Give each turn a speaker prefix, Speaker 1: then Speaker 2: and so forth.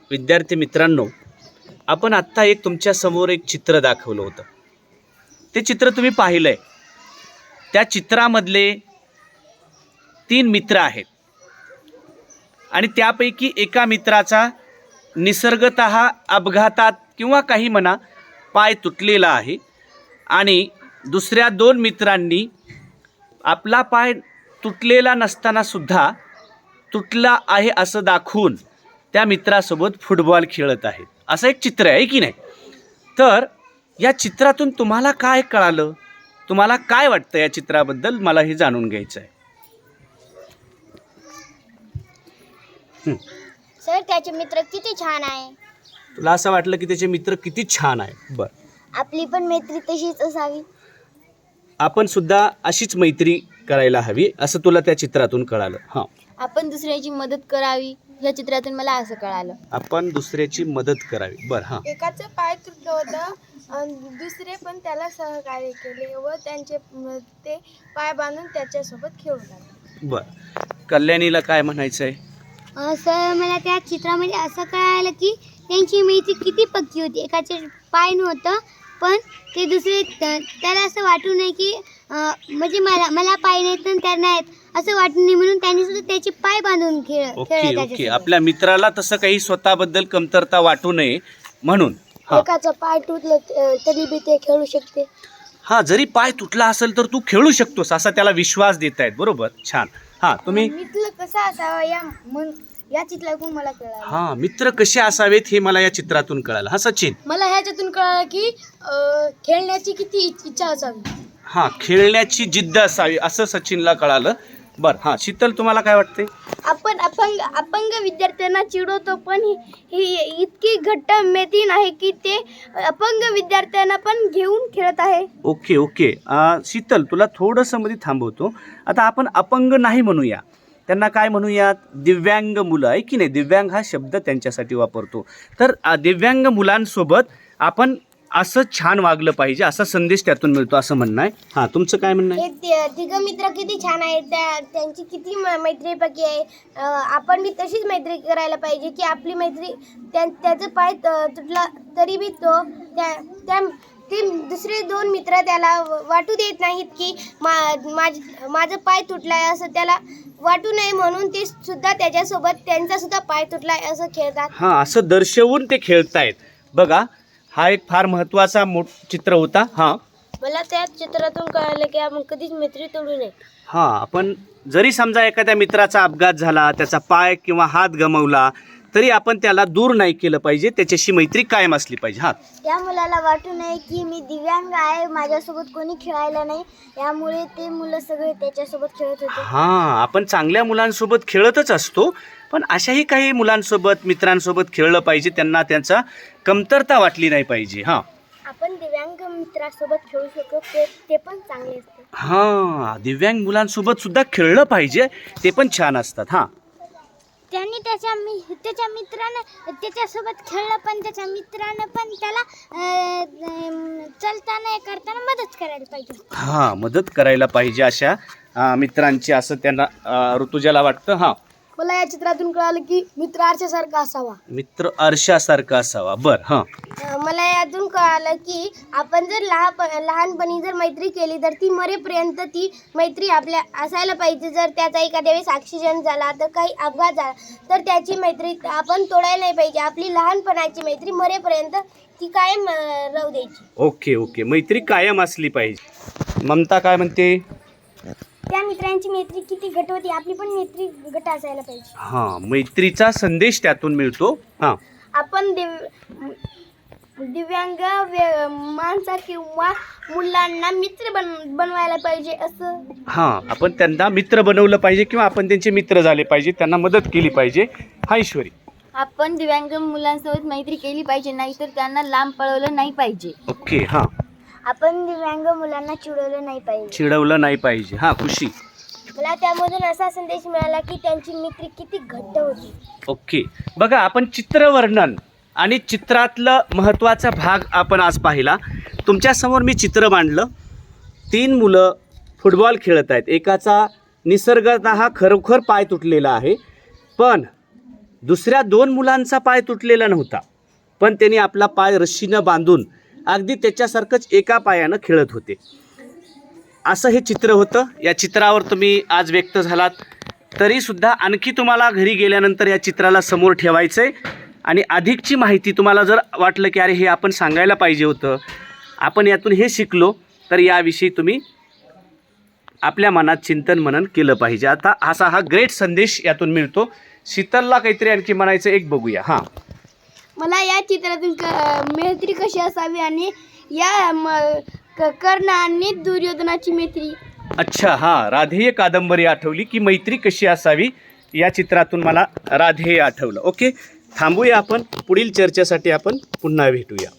Speaker 1: विद्यार्थी मित्रांनो, आपण आत्ता एक तुमच्यासमोर एक चित्र दाखवलं होतं. ते चित्र तुम्ही पाहिलं आहे. त्या चित्रामधले 3 मित्र आहेत आणि त्यापैकी एका मित्राचा निसर्गतः अपघातात किंवा काही म्हणा पाय तुटलेला आहे आणि दुसऱ्या 2 मित्रांनी आपला पाय तुटलेला नसताना सुद्धा तुटला आहे असं दाखवून त्या मित्रासोबत फुटबॉल खेळत आहेत. असं एक चित्र आहे की नाही? तर या चित्रातून तुम्हाला काय कळालं? तुम्हाला काय वाटतं या चित्राबद्दल? मला हे जाणून घ्यायचं आहे.
Speaker 2: सर, त्याचे मित्र किती छान आहे.
Speaker 1: तुला असं वाटलं की त्याचे मित्र किती छान आहे? बरं,
Speaker 2: आपली पण मैत्री तशीच असावी.
Speaker 1: आपण सुद्धा अशीच मैत्री करायला हवी असं तुला त्या चित्रातून कळालं. हां,
Speaker 2: आपण दुसऱ्याची मदत करावी या चित्रातून मला असं कळालं.
Speaker 1: आपण दुसऱ्याची मदत करावी. बरं, हां.
Speaker 3: एकाचं पाय तुटलं होतं, दुसरे पण त्याला सहकार्य केले व त्यांचे ते पाय बांधून त्याच्यासोबत खेळू लागले.
Speaker 1: बरं, कल्याणीला काय म्हणायचं आहे?
Speaker 2: सर, मला त्या चित्रामध्ये असं कळालं की त्यांची मैत्री किती पक्की होती. एकाचे पाय नव्हतं पण ते दुसरे त्याला असं वाटू नये की म्हणजे मला पाय नाहीत तर त्यांना आहेत असं वाटू नये म्हणून त्यांनी सुद्धा त्याचे पाय बांधून
Speaker 1: ओके. आपल्या मित्राला तसं काही स्वतःबद्दल कमतरता वाटू नये म्हणून.
Speaker 2: एकाचं पाय तुटलं तरी बी ते खेळू शकते.
Speaker 1: हां, जरी पाय तुटला असेल तर तू खेळू शकतोस असा त्याला विश्वास देत आहेत. बरोबर, छान. हां, तुम्ही?
Speaker 2: मित्र कसा असावा या चित्रातून मला कळालं.
Speaker 1: हां, मित्र कसे असावेत हे मला या चित्रातून कळालं. हां, सचिन?
Speaker 3: मला ह्याच्यातून कळालं की खेळण्याची किती इच्छा असावी.
Speaker 1: हां, खेळण्याची जिद्द असावी असं सचिनला कळालं. बरं, हां, शीतल, तुम्हाला काय वाटते?
Speaker 2: आपण अपंग विद्यार्थ्यांना चिडवतो पण ही इतकी घट्ट मैत्री आहे की ते अपंग विद्यार्थ्यांना पण घेऊन खेळत आहे.
Speaker 1: ओके. शीतल, तुला थोडंसं मध्ये थांबवतो. आता आपण अपंग नाही म्हणूया, त्यांना काय म्हणूयात? दिव्यांग मुलं, आहे की नाही? दिव्यांग हा शब्द त्यांच्यासाठी वापरतो. तर दिव्यांग मुलांसोबत आपण असं छान वागलं पाहिजे असा संदेश त्यातून मिळतो असं म्हणणं आहे. हां, तुमचं काय म्हणणं आहे?
Speaker 2: हे तिघं मित्र किती छान आहेत. त्यांची किती मैत्री पक्की आहे. आपण बी तशीच मैत्री करायला पाहिजे की आपली मैत्री त्याचं पाय तुटला तरी बी ते दुसरे 2 मित्र त्याला वाटू देत नाहीत की माझं पाय तुटलाय असं त्याला वाटू नये म्हणून ते सुद्धा त्याच्यासोबत त्यांचा सुद्धा पाय तुटलाय असं खेळतात.
Speaker 1: हां, असं दर्शवून ते खेळतायत. बघा, हा एक फार महत्त्वाचा चित्र होता. हां,
Speaker 2: मला त्या चित्रातून कळालं की आपण कधीच मैत्री तोडू नये.
Speaker 1: हां, आपण जरी समजा एखाद्या मित्राचा अपघात झाला, त्याचा पाय किंवा हात गमावला तरी आपण त्याला दूर नाही केलं पाहिजे, त्याच्याशी मैत्री कायम असली पाहिजे. हां,
Speaker 2: त्या मुलाला वाटू नये की मी दिव्यांग आहे, माझ्यासोबत कोणी खेळायला नाही, यामुळे ते मुलं सगळे त्याच्यासोबत खेळत होते.
Speaker 1: हां, आपण चांगल्या मुलांसोबत खेळतच असतो पण अशाही काही मुलांसोबत मित्रांसोबत खेळलं पाहिजे, त्यांना त्यांचा कमतरता वाटली नाही पाहिजे. हां,
Speaker 2: आपण दिव्यांग मित्रासोबत खेळू शकतो ते पण चांगले असते.
Speaker 1: हां, दिव्यांग मुलांसोबत सुद्धा खेळलं पाहिजे, ते पण छान असतात. हां,
Speaker 2: त्यांनी त्याच्या मित्रानं त्याच्यासोबत खेळलं पण त्याच्या मित्रानं पण त्याला चालताना करताना मदत करायला पाहिजे.
Speaker 1: हां, मदत करायला पाहिजे अशा मित्रांची असं त्यांना ऋतुजाला वाटतं. हां,
Speaker 3: मला या चित्रातून कळालं की मित्र आरशासारखा असावा.
Speaker 1: मित्र आरशासारखा असावा. बरं, हां.
Speaker 2: मला यातून कळालं की आपण जर लहानपणी जर मैत्री केली तर ती मरेपर्यंत ती मैत्री आपल्या असायला पाहिजे. जर त्याचा एखाद्या वेळेस ॲक्सिडेंट झाला तर काही अपघात झाला तर त्याची मैत्री आपण तोडायला नाही पाहिजे. आपली लहानपणाची मैत्री मरेपर्यंत ती कायम राहू द्यायची.
Speaker 1: ओके. मैत्री कायम असली पाहिजे. ममता काय म्हणते?
Speaker 2: त्या मित्रांची मैत्री किती घट होती, आपली पण मैत्री घट असायला पाहिजे.
Speaker 1: हां, मैत्रीचा संदेश त्यातून मिळतो. हां,
Speaker 2: आपण दिव्यांग माणसा किंवा मुलांना मित्र बनवायला पाहिजे असं.
Speaker 1: हां, आपण त्यांना मित्र बनवलं पाहिजे किंवा आपण त्यांचे मित्र झाले पाहिजे, त्यांना मदत केली पाहिजे. हां, ईश्वरी?
Speaker 2: आपण दिव्यांग मुलांसोबत मैत्री केली पाहिजे, नाहीतर त्यांना लांब पळवलं नाही पाहिजे.
Speaker 1: ओके. हां,
Speaker 2: आपण दिव्यांग मुलांना चिडवलं नाही पाहिजे.
Speaker 1: हां, खुशी?
Speaker 2: मला त्यामधून असा संदेश मिळाला की त्यांची मैत्री किती घट्ट होती.
Speaker 1: ओके. बघा, आपण चित्रवर्णन आणि चित्रातलं महत्त्वाचा भाग आपण आज पाहिला. तुमच्यासमोर मी चित्र मांडलं. 3 मुलं फुटबॉल खेळत आहेत. एकाचा निसर्गतः खरोखर पाय तुटलेला आहे पण दुसऱ्या 2 मुलांचा पाय तुटलेला नव्हता, पण त्यांनी आपला पाय रश्शीनं बांधून अगदी त्याच्यासारखंच एका पायानं खेळत होते. असं हे चित्र होतं. या चित्रावर तुम्ही आज व्यक्त झालात, तरीसुद्धा आणखी तुम्हाला घरी गेल्यानंतर या चित्राला समोर ठेवायचं आहे आणि अधिकची माहिती तुम्हाला जर वाटलं की अरे हे आपण सांगायला पाहिजे होतं, आपण यातून हे शिकलो, तर याविषयी तुम्ही आपल्या मनात चिंतन मनन केलं पाहिजे. आता असा हा ग्रेट संदेश यातून मिळतो. शीतलला काहीतरी आणखी म्हणायचं एक बघूया. हां,
Speaker 2: मला या चित्रातून मैत्री कशी असावी आणि या कर्ण आणि दुर्योधनाची मैत्री.
Speaker 1: अच्छा, हां, राधेय कादंबरी आठवली की मैत्री कशी असावी, या चित्रातून मला राधेय आठवलं. ओके, थांबूया आपण. पुढील चर्चेसाठी आपण पुन्हा भेटूया.